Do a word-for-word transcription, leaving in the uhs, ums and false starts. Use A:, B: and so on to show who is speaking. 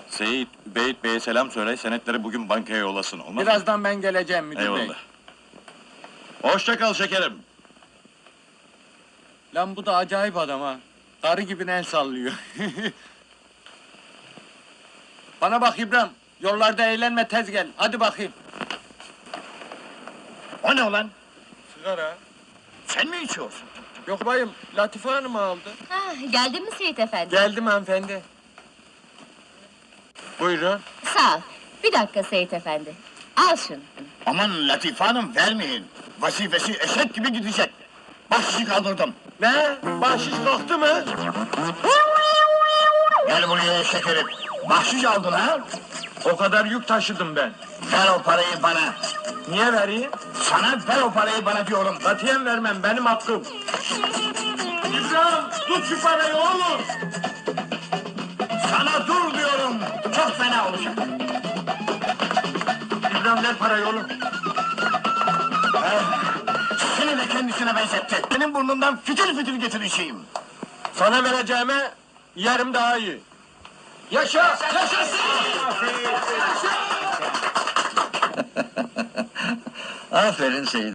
A: Seyit, Beyit Bey'e selam söyle, senetleri bugün bankaya yollasın, olmaz mı?
B: Birazdan ben geleceğim müdür bey.
A: Eyvallah. Hoşça kal şekerim.
B: Lan bu da acayip adam ha. Karı gibi el sallıyor. Bana bak İbrahim, yollarda eğlenme tez gel, hadi bakayım.
C: O ne ulan?
B: Sigara.
C: Sen mi içiyorsun?
B: Yok bayım, Latife Hanım aldı.
D: Ah, geldin mi Seyit efendi?
B: Geldim hanımefendi. Buyurun.
D: Sağ ol. Bir dakika Seyit efendi. Al şunu.
C: Aman Latife Hanım vermeyin. Vazifesi eşek gibi gidecek. Bahşişi kaldırdım.
B: Ne? Bahşiş kalktı mı?
C: Gel buraya şekerim. Bahşiş aldın ha?
B: O kadar yük taşıdım ben.
C: Ver o parayı bana.
B: Niye vereyim?
C: Sana ver o parayı bana diyorum.
B: Katiyen vermem, benim hakkım. İbrahim, tut şu parayı oğlum!
C: Sana dur diyorum. Çok fena olacak.
B: İbrahim ver parayı oğlum.
C: Seni de kendisine benzetti. Senin burnundan fitil fitil getireceğim.
B: Sana vereceğime yarım daha iyi. Yaşa! Yaşasın!
C: Aferin Seyit.